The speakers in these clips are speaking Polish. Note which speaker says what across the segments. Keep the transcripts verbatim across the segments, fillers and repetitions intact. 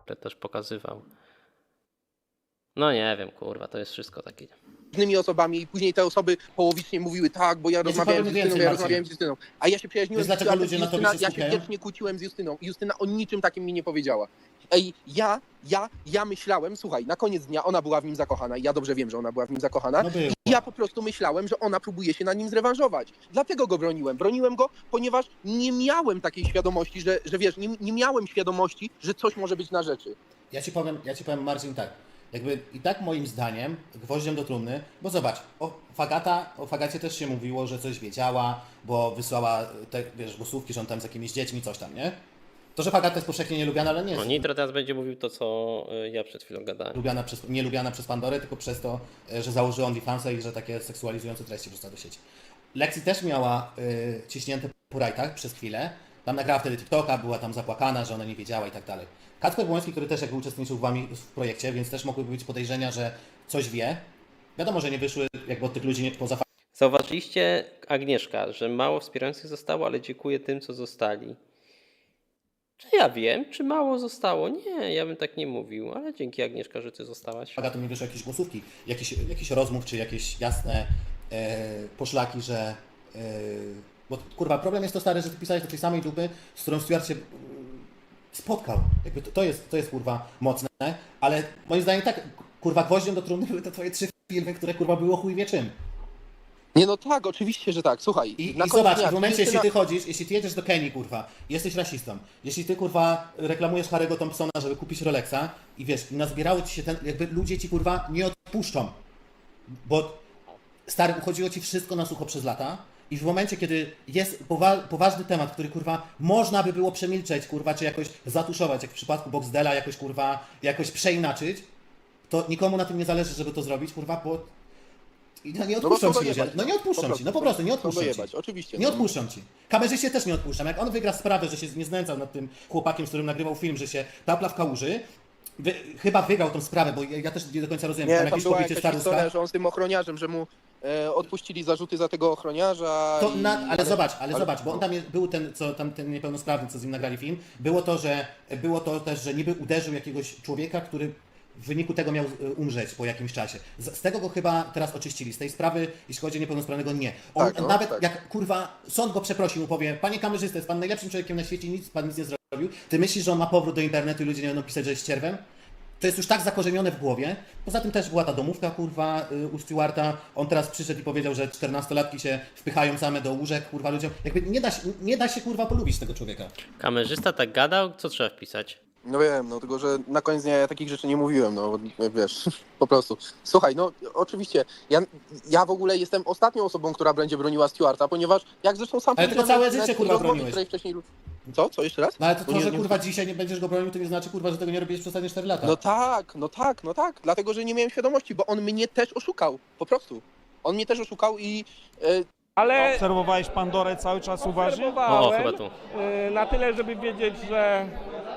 Speaker 1: też pokazywał. No nie wiem, kurwa, to jest wszystko takie.
Speaker 2: Różnymi osobami i później te osoby połowicznie mówiły tak, bo ja rozmawiałem z Justyną, ja rozmawiałem z Justyną. A ja się przyjaźniłem
Speaker 3: Wiesz,
Speaker 2: z
Speaker 3: dlaczego ludzie na
Speaker 2: Justyna,
Speaker 3: tobie się
Speaker 2: ja się
Speaker 3: skupiają?
Speaker 2: wiecznie kłóciłem z Justyną i Justyna o niczym takim mi nie powiedziała. Ej, ja, ja, ja myślałem, słuchaj, na koniec dnia ona była w nim zakochana i ja dobrze wiem, że ona była w nim zakochana.
Speaker 3: No było.
Speaker 2: I ja po prostu myślałem, że ona próbuje się na nim zrewanżować. Dlatego go broniłem. Broniłem go, ponieważ nie miałem takiej świadomości, że, że wiesz, nie, nie miałem świadomości, że coś może być na rzeczy.
Speaker 3: Ja ci powiem, ja ci powiem, Marcin, tak. Jakby i tak moim zdaniem gwoździem do trumny, bo zobacz, o Fagata, o Fagacie też się mówiło, że coś wiedziała, bo wysłała te, wiesz, głosówki, że on tam z jakimiś dziećmi, coś tam, nie? To, że Fagata jest powszechnie nielubiana, ale nie jest
Speaker 1: No Nitro teraz będzie mówił to, co y, ja przed chwilą gadałem.
Speaker 3: lubiana przez, nie lubiana przez Pandorę, tylko przez to, że założyła OnlyFansa i że takie seksualizujące treści wrzuca do sieci. Lexi też miała y, ciśnięte po rajtach przez chwilę. Tam nagrała wtedy TikToka, była tam zapłakana, że ona nie wiedziała i tak dalej. Kacper Błoński, który też jakby uczestniczył w wami w projekcie, więc też mogłyby być podejrzenia, że coś wie. Wiadomo, że nie wyszły jakby od tych ludzi nie, poza
Speaker 1: Zauważyliście, Agnieszka, że mało wspierających zostało, ale dziękuję tym, co zostali. Czy ja wiem, czy mało zostało? Nie, ja bym tak nie mówił, ale dzięki, Agnieszka, że ty zostałaś.
Speaker 3: Fagatą nie wyszły jakieś głosówki, jakieś, jakieś rozmów, czy jakieś jasne e, poszlaki, że... E, bo kurwa, problem jest to, stary, że ty pisałeś do tej samej dupy, z którą Stuart się e, spotkał. Jakby to, to, jest, to jest kurwa mocne, ale moim zdaniem tak, kurwa, gwoździem do trumny były te twoje trzy filmy, które kurwa było chuj wie czym.
Speaker 2: Nie no tak, oczywiście, że tak. Słuchaj,
Speaker 3: I,
Speaker 2: na
Speaker 3: i
Speaker 2: koniec
Speaker 3: zobacz,
Speaker 2: dnia
Speaker 3: w momencie,
Speaker 2: Justyna-
Speaker 3: jeśli ty chodzisz, jeśli ty jedziesz do Kenii, kurwa, jesteś rasistą, jeśli ty, kurwa, reklamujesz Harry'ego Thompsona, żeby kupić Rolexa i wiesz, i nazbierało ci się ten, jakby ludzie ci, kurwa, nie odpuszczą, bo stary, uchodziło ci wszystko na sucho przez lata i w momencie, kiedy jest powa poważny temat, który, kurwa, można by było przemilczeć, kurwa, czy jakoś zatuszować, jak w przypadku Boxdela, jakoś, kurwa, jakoś przeinaczyć, to nikomu na tym nie zależy, żeby to zrobić, kurwa, bo i no nie odpuszczą
Speaker 2: kogo
Speaker 3: ci ludzie.
Speaker 2: jebać,
Speaker 3: No nie odpuszczą ci, no po prostu nie odpuszczą ci.
Speaker 2: jebać, oczywiście.
Speaker 3: Nie
Speaker 2: no.
Speaker 3: odpuszczam ci. Kamerzyście też nie odpuszczam. Jak on wygra sprawę, że się nie znęcał nad tym chłopakiem, z którym nagrywał film, że się tapla w kałuży, wy, chyba wygrał tą sprawę, bo ja, ja też nie do końca rozumiem,
Speaker 2: Nie,
Speaker 3: tam
Speaker 2: tam
Speaker 3: jakieś
Speaker 2: była
Speaker 3: pobicie
Speaker 2: jakaś
Speaker 3: staruszka.
Speaker 2: historia, że on z tym ochroniarzem, że mu e, odpuścili zarzuty za tego ochroniarza.
Speaker 3: To
Speaker 2: i...
Speaker 3: na, ale zobacz, ale,
Speaker 2: ale-
Speaker 3: zobacz, bo on tam jest, był ten, co tam ten niepełnosprawny, co z nim nagrali film, było to, że było to też, że niby uderzył jakiegoś człowieka, który w wyniku tego miał y, umrzeć po jakimś czasie. Z, z tego go chyba teraz oczyścili. Z tej sprawy, jeśli chodzi o niepełnosprawnego, nie. On
Speaker 2: Tak, no,
Speaker 3: nawet
Speaker 2: tak.
Speaker 3: jak kurwa sąd go przeprosi, mu powie, panie kamerzysta, jest pan najlepszym człowiekiem na świecie, nic pan nic nie zrobił. Ty myślisz, że on ma powrót do internetu i ludzie nie będą pisać, że jest ścierwem? To jest już tak zakorzenione w głowie. Poza tym też była ta domówka, kurwa, y, u Stewarta. On teraz przyszedł i powiedział, że czternastolatki się wpychają same do łóżek, kurwa, ludziom. Jakby nie da się, nie da się kurwa, polubić tego człowieka.
Speaker 1: Kamerzysta tak gadał, co trzeba wpisać?
Speaker 2: No wiem, no tylko, że na koniec dnia ja takich rzeczy nie mówiłem, no wiesz, po prostu. Słuchaj, no oczywiście, ja, ja w ogóle jestem ostatnią osobą, która będzie broniła Stewarta, ponieważ jak zresztą sam
Speaker 3: Ale tylko
Speaker 2: powiedziałem
Speaker 3: całe
Speaker 2: na- na
Speaker 3: życie,
Speaker 2: tej
Speaker 3: kurwa,
Speaker 2: rozmowie,
Speaker 3: broniłeś.
Speaker 2: której wcześniej... Co? Co? Jeszcze raz?
Speaker 3: No ale to,
Speaker 2: Bo
Speaker 3: to
Speaker 2: nie-
Speaker 3: że
Speaker 2: nie-
Speaker 3: kurwa dzisiaj nie będziesz go bronił, to nie znaczy, kurwa, że tego nie robiłeś przez ostatnie cztery lata.
Speaker 2: No tak, no tak, no tak, dlatego, że nie miałem świadomości, bo on mnie też oszukał, po prostu. On mnie też oszukał i... E,
Speaker 4: Ale
Speaker 5: Obserwowałeś Pandorę cały czas uważnie?
Speaker 1: O,
Speaker 4: obserwowałem
Speaker 1: chyba tu.
Speaker 4: y, na tyle, żeby wiedzieć, że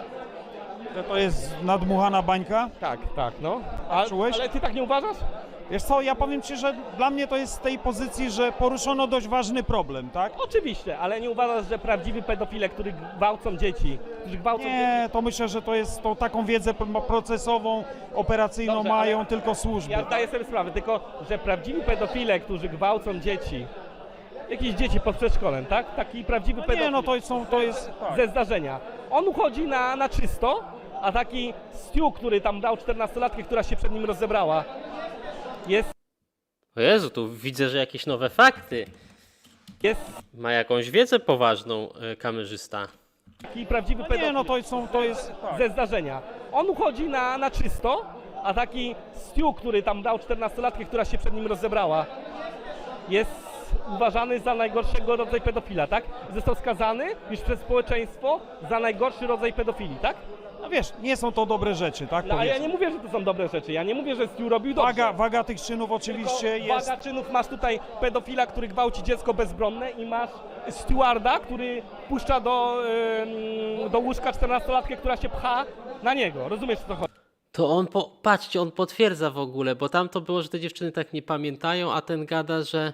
Speaker 5: Że to jest nadmuchana bańka?
Speaker 4: tak, tak, no. A,
Speaker 5: Czułeś?
Speaker 4: ale ty tak nie uważasz?
Speaker 5: Wiesz co, ja powiem Ci, że dla mnie to jest z tej pozycji, że poruszono dość ważny problem, tak?
Speaker 4: Oczywiście, ale nie uważasz, że prawdziwi pedofile, którzy gwałcą dzieci, którzy gwałcą dzieci...
Speaker 5: Nie, to myślę, że to jest tą taką wiedzę p- procesową, operacyjną
Speaker 4: Dobrze,
Speaker 5: mają
Speaker 4: ale-
Speaker 5: tylko służby.
Speaker 4: Ja zdaję sobie sprawę, tylko że prawdziwi pedofile, którzy gwałcą dzieci, jakieś dzieci pod przedszkolem, tak? Taki prawdziwy
Speaker 5: No
Speaker 4: pedofil
Speaker 5: nie, no to są, to jest...
Speaker 4: ze zdarzenia. On uchodzi na, na czysto, a taki Stu, który tam dał czternastolatkę, która się przed nim rozebrała, jest,
Speaker 1: O Jezu, tu widzę, że jakieś nowe fakty.
Speaker 4: jest
Speaker 1: Ma jakąś wiedzę poważną y, kamerzysta.
Speaker 4: taki prawdziwy
Speaker 5: No
Speaker 4: pedofil
Speaker 5: nie, no to są, to jest...
Speaker 4: ze zdarzenia. On uchodzi na, na czysto, a taki Stu, który tam dał czternastolatkę, która się przed nim rozebrała, jest uważany za najgorszego rodzaju pedofila, tak? Został skazany już przez społeczeństwo za najgorszy rodzaj pedofilii, tak?
Speaker 5: No wiesz, nie są to dobre rzeczy, tak?
Speaker 4: No, a ja
Speaker 5: powiedzmy.
Speaker 4: nie mówię, że to są dobre rzeczy. Ja nie mówię, że Stu robił dobrze.
Speaker 5: Waga, waga tych czynów oczywiście
Speaker 4: Tylko
Speaker 5: jest...
Speaker 4: waga czynów, masz tutaj pedofila, który gwałci dziecko bezbronne i masz stewarda, który puszcza do, ym, do łóżka czternastolatkę, która się pcha na niego. Rozumiesz, co to chodzi?
Speaker 1: To on, po, patrzcie, on potwierdza w ogóle, bo tam to było, że te dziewczyny tak nie pamiętają, a ten gada, że...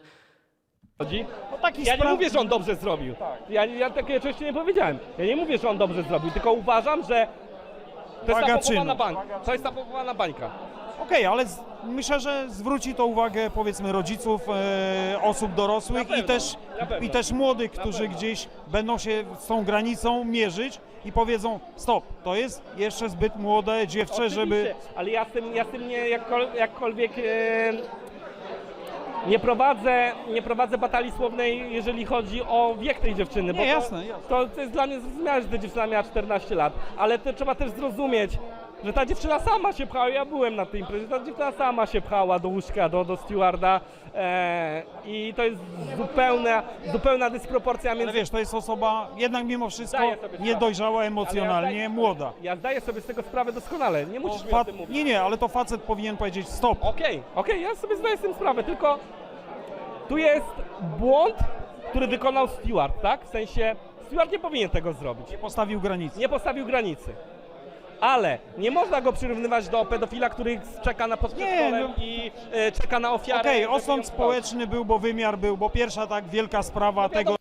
Speaker 5: No, taki
Speaker 4: Ja nie
Speaker 5: spraw-
Speaker 4: mówię, że on dobrze zrobił. Ja, ja takie rzeczy nie powiedziałem. Ja nie mówię, że on dobrze zrobił, tylko uważam, że To jest
Speaker 5: Waga
Speaker 4: napompowana
Speaker 5: czynu.
Speaker 4: bańka. To jest napompowana bańka.
Speaker 5: Okej, ale z, myślę, że zwróci to uwagę powiedzmy rodziców, e, osób dorosłych
Speaker 4: Na
Speaker 5: i
Speaker 4: pewno,
Speaker 5: też,
Speaker 4: na pewno.
Speaker 5: i też młodych, którzy
Speaker 4: pewno.
Speaker 5: gdzieś będą się z tą granicą mierzyć i powiedzą stop, to jest jeszcze zbyt młode dziewczę, żeby...
Speaker 4: Oczywiście, ale ja z tym, ja z tym nie jakkol, jakkolwiek e, nie prowadzę, nie prowadzę batalii słownej, jeżeli chodzi o wiek tej dziewczyny.
Speaker 5: Nie,
Speaker 4: bo to,
Speaker 5: jasne, jasne.
Speaker 4: To, to jest dla mnie zrozumiałe, że ta dziewczyna miała czternaście lat, ale to trzeba też zrozumieć, że ta dziewczyna sama się pchała, ja byłem na tej imprezie, ta dziewczyna sama się pchała do łóżka, do, do stewarda e, i to jest zupełna, zupełna dysproporcja
Speaker 5: Ale
Speaker 4: między...
Speaker 5: wiesz, to jest osoba jednak mimo wszystko
Speaker 4: Zdaję sobie sprawę.
Speaker 5: niedojrzała
Speaker 4: Ale ja
Speaker 5: emocjonalnie,
Speaker 4: zdaję-
Speaker 5: młoda.
Speaker 4: Ja zdaję sobie z tego sprawę doskonale, nie
Speaker 5: To
Speaker 4: musisz mi o
Speaker 5: fa-
Speaker 4: tym mówić.
Speaker 5: nie, nie, ale to facet powinien powiedzieć stop.
Speaker 4: Okej, okej, ja sobie zdaję z tym sprawę, tylko tu jest błąd, który wykonał Stewart, tak? W sensie Stewart nie powinien tego zrobić.
Speaker 5: Nie postawił granicy.
Speaker 4: Nie postawił granicy. Ale nie można go przyrównywać do pedofila, który czeka na podszkolem
Speaker 5: no.
Speaker 4: i e, czeka na ofiarę.
Speaker 5: Okej,
Speaker 4: żeby ją
Speaker 5: osąd społeczny był, bo wymiar był, bo pierwsza tak wielka sprawa tego,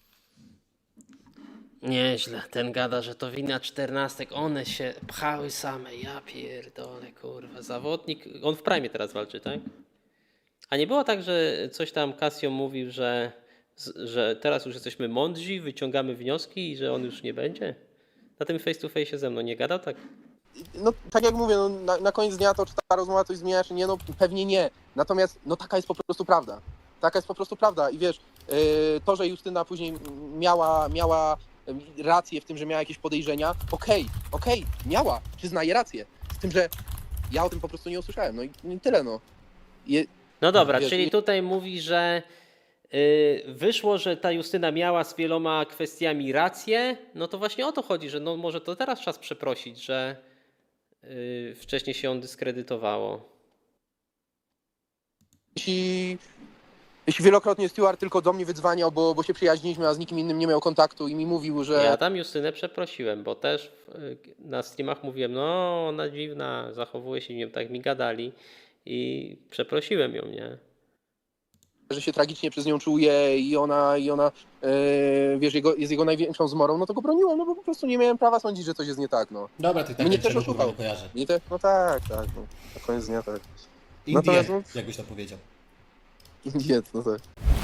Speaker 1: Nieźle, ten gada, że to wina czternastek, one się pchały same, ja pierdolę, kurwa, zawodnik, on w prime teraz walczy, tak? A nie było tak, że coś tam Casio mówił, że, że teraz już jesteśmy mądrzy, wyciągamy wnioski i że on już nie będzie? Na tym face to face ze mną nie gadał tak?
Speaker 2: No tak jak mówię, no, na, na koniec dnia to czy ta rozmowa coś zmienia, czy nie, no pewnie nie. Natomiast no taka jest po prostu prawda. Taka jest po prostu prawda i wiesz, yy, to, że Justyna później miała, miała rację w tym, że miała jakieś podejrzenia, okej, okej, miała, przyznaję rację. Z tym, że ja o tym po prostu nie usłyszałem, no i, i tyle no. Je,
Speaker 1: No dobra,
Speaker 2: Wiesz,
Speaker 1: czyli
Speaker 2: i-
Speaker 1: tutaj mówi, że y, wyszło, że ta Justyna miała z wieloma kwestiami rację, no to właśnie o to chodzi, że no może to teraz czas przeprosić, że y, wcześniej się on dyskredytowało.
Speaker 2: jeśli, jeśli wielokrotnie Stewart tylko do mnie wydzwaniał, bo, bo się przyjaźniliśmy, a z nikim innym nie miał kontaktu i mi mówił, że...
Speaker 1: Ja tam Justynę przeprosiłem, bo też y, na streamach mówiłem, no ona dziwna, zachowuje się, nie wiem, tak mi gadali i przeprosiłem ją, nie?
Speaker 2: że się tragicznie przez nią czuje i ona, i ona e, wiesz, jego, jest jego największą zmorą, no to go broniłem, no bo po prostu nie miałem prawa sądzić, że coś jest nie tak, no.
Speaker 3: Dobra, ty tak
Speaker 2: Mnie
Speaker 3: niczego,
Speaker 2: też
Speaker 3: kurwa,
Speaker 2: oszukał.
Speaker 3: nie kojarzę.
Speaker 2: Nie te, no tak, tak, no. Na koniec dnia tak.
Speaker 3: Indie,
Speaker 2: Natomiast, no-
Speaker 3: jakbyś to powiedział.
Speaker 2: Nie, no tak.